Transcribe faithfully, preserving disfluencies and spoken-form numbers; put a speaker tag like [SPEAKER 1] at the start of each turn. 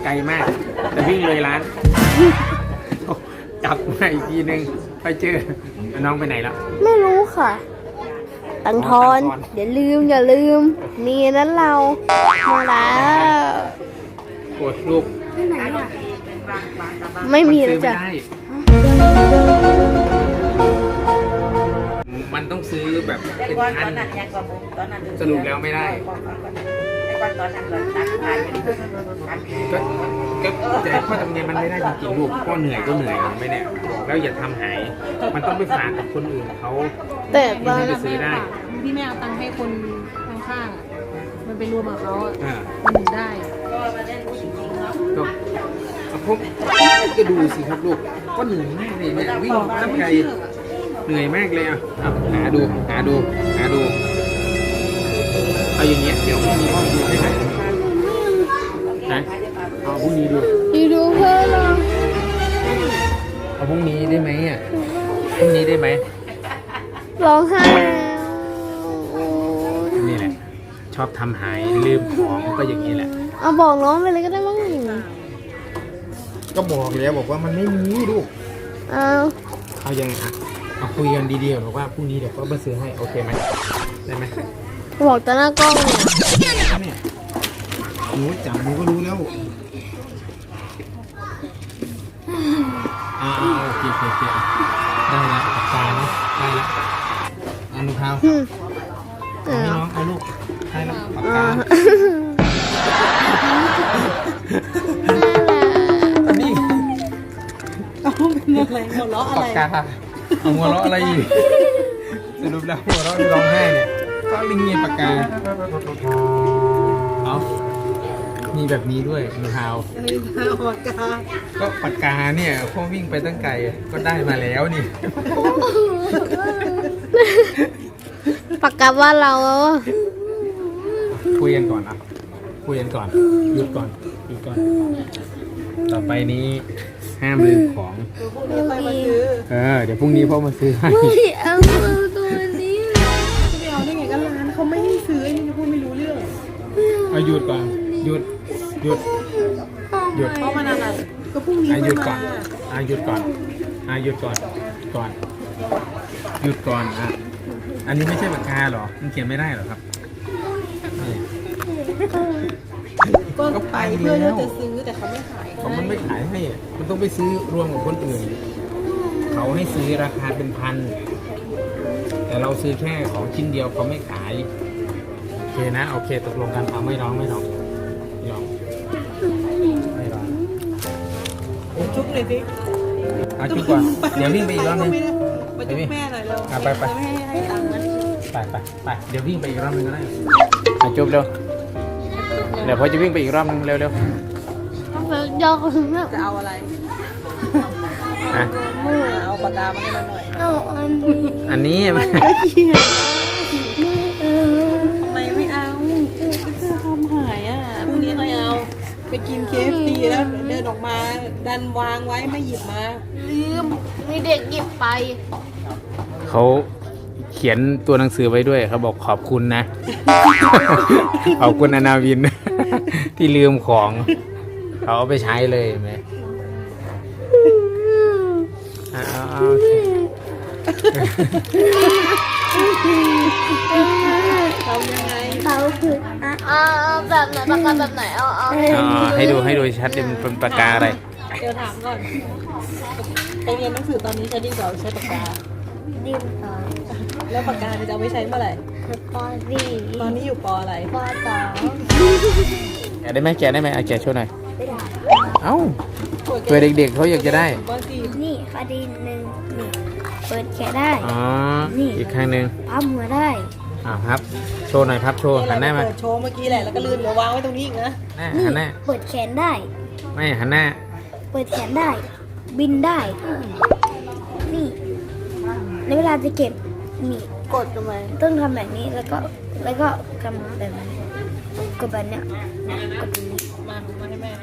[SPEAKER 1] ลมากแต่วิ่งเลยร้านกลับมาอีกทีนึงไปเจอน้องไปไหนแล้ว
[SPEAKER 2] ไม่รู้ค่ะตังทอนอย่าลืมอย่าลืมนี่นั้นเรามาแล้ว
[SPEAKER 1] โอ้ลูก
[SPEAKER 2] ไม่มีแล้วจ้ะ
[SPEAKER 1] มันต้องซื้อแบบเป็นพันสรุปแล้วไม่ได้ก็ก็แต่ข้อจำเป็นมันไม่ได้จริงๆลูกก็เหนื่อยก็เหนื่อยไม่เนี่ยบอกแล้วอย่าทำหายมันต้องไปฝากกับคนอื่นเขา
[SPEAKER 2] แต่บ้าน
[SPEAKER 1] ไปซื้อได้
[SPEAKER 3] ที่แม่เอาตังค์ให้คนข้างๆมันไปรวมกับเขาอ่ะมันถึงได้
[SPEAKER 1] ก็พบก็ดูสิครับลูกก็เหนื่อยมากเลยเนี่ยวิ่งตั้งไกลเหนื่อยมากเลยอ่ะหาดูหาดูหาดูเอาอย่างเงี้ยเดี๋ยวมีห้องดูได้ไหมนะเอาพรุ่งนี้ดู
[SPEAKER 2] ดูดูเพื่อนเรา
[SPEAKER 1] เอาพรุ่งนี้ได้ไหมอ่ะพรุ่งนี้ได้ไหม
[SPEAKER 2] ร้องไห้
[SPEAKER 1] นี่แหละชอบทำหายลืมของก็อย่างนี้แหละ
[SPEAKER 2] เอาบอกน้องไปเลยก็ได้มั้ง
[SPEAKER 1] ก็บอกแล้วบอกว่ามันไม่มีลูก
[SPEAKER 2] เอา
[SPEAKER 1] เอายังไงอ่ะเอาคุยกันดีๆบอกว่าพรุ่งนี้เดี๋ยวก็มาซื้อให้โอเคไหมได้ไหม
[SPEAKER 2] บอกแต่หน้ากล้อง
[SPEAKER 1] เนี่ยหนูจับหนูก็รู้แล้วอ่าโอเคโอเคโอเคได้แล้วปากกาเนาะได้แล้วอนุภาพให้น้องเอาลูกให้แล้วปากกาอันนี้
[SPEAKER 3] เอาเป็นอะไรหัวเราะอะไร
[SPEAKER 1] ปากกาเอาหัวเราะอะไรอีกสรุปแล้วหัวเราะร้องไห้เนี่ยก็ลิงเงียปากกาเอามีแบบนี้ด้วยมือเท้า
[SPEAKER 3] ปากกา
[SPEAKER 1] ก็ปากกาเนี่ยพ่อวิ่งไปตั้งไกลก็ได้มาแล้วนี่
[SPEAKER 2] ปากกาว่าเรา
[SPEAKER 1] คุยกันก่อนอ่ะคุยกันก่อนหยุดก่อนหยุดก่อนต่อไปนี้ห้ามลืมของเออเดี๋ยวพรุ่งนี้พ่อมาซื้อให้
[SPEAKER 2] ไม่เอาตัวนี้
[SPEAKER 3] ไม่เอาได้ไงก็ร้านเขาไม่ให้ซื้อไอ้นี่จะพูดไม่รู้เรื่อง
[SPEAKER 1] เอาหยุดก่อนหยุดหยุดหยุด
[SPEAKER 3] เพราะมันอะไรก็พรุ่งนี้
[SPEAKER 1] หยุดก่อนอ่ะหยุดก่อนอ่ะหยุดก่อนก่อนหยุดก่อนอ่ะอันนี้ไม่ใช่ปากกาหรอมันเขียนไม่ได้หรอครับ
[SPEAKER 3] ก็ไปเพื่อจะซื้อแต่เขาไม่ขาย
[SPEAKER 1] เขามันไม่ขายให้มันต้องไปซื้อรวมกับคนอื่นเขาให้ซื้อราคาเป็นพันแต่เราซื้อแค่ของชิ้นเดียวเขาไม่ขายโอเคนะโอเคตกลงกันเอาไม่ร้องไม่ร้องไม่ร้องไม่ร้อง
[SPEAKER 3] ชุบเลยสิ
[SPEAKER 1] เอาชุบก่อนเดี๋ยววิ่งไปอีกรอบนึง
[SPEAKER 3] ไปจุ๊บแม่หน่อยเร็ว
[SPEAKER 1] ไปไป
[SPEAKER 3] ให้ตังค์มัน
[SPEAKER 1] ไปไปไปเดี๋ยววิ่งไปอีกรอบนึงก็ได้มาจุ๊บเร็วเดี๋ยวพ่อจะวิ่งไปอีกรอบนึงเร็วเร็ว
[SPEAKER 2] ยอก
[SPEAKER 3] จะเอาอะไร
[SPEAKER 1] อ่ะ
[SPEAKER 3] เอาปากกามาให้เราหน่อย
[SPEAKER 2] เอาอันนี้
[SPEAKER 1] อันนี้
[SPEAKER 3] มันก็เขียนทำไมไม่เอาเสื้อทำหายอ่ะพรุ่งนี้ใครเอาไปกินเคฟซีแล้วเดินออกมาดันวางไว้ไม่หยิบมา
[SPEAKER 2] ลืมมีเด็กหยิบไป
[SPEAKER 1] เขาเขียนตัวหนังสือไว้ด้วยเขาบอกขอบคุณนะ ขอบคุณอนาวิน ที่ลืมของเขาเอาไปใช้เลยไหมอ้าวโอเค
[SPEAKER 3] เขายังไง
[SPEAKER 2] เขาคืออ่าแบบไหนปากกาแบบไหนเอาเอา
[SPEAKER 1] ให้ดูให้ดูชัดเป็นปากกาอะไร
[SPEAKER 3] เดี๋ยวถามก่อนไปเรียนหนังสือตอนนี้ใช้ดินสอใช้ปากกา
[SPEAKER 2] ดินสอ
[SPEAKER 3] แล้วปากกาจะเอาไว้ใช้เมื่อไหร่
[SPEAKER 2] ปอสี่
[SPEAKER 3] ตอนนี้อยู่ปออะไร
[SPEAKER 2] ปอสอง
[SPEAKER 1] แกะได้ไหมแกะได้ไหมเอาแกะช่วยหน่อยเอ้าเพื่อเด็กๆเขาอยากจะได้
[SPEAKER 2] นี่คดีหนึ่งนี่เปิดแกะได้
[SPEAKER 1] อ๋ออีกครั้งหนึ่ง
[SPEAKER 2] ปั๊มหัวได้
[SPEAKER 1] อ้าวครับโชว์หน่อยครับโชว์หันหน้ามา
[SPEAKER 3] โชว์เมื่อกี้แหละแล้วก็ลืมเดี๋ยววางไว้ตรงนี้อีกนะ
[SPEAKER 1] หันหน้า
[SPEAKER 2] เปิดแขนได้
[SPEAKER 1] ไม่หันหน้า
[SPEAKER 2] เปิดแขนได้บินได้นี่ในเวลาจะเก็บนี่กดลงไปต้องทำแบบนี้แล้วก็แล้วก็กำแบบนี้กดแบบเนี้ยกดตรงนี้
[SPEAKER 3] มามาให้แม่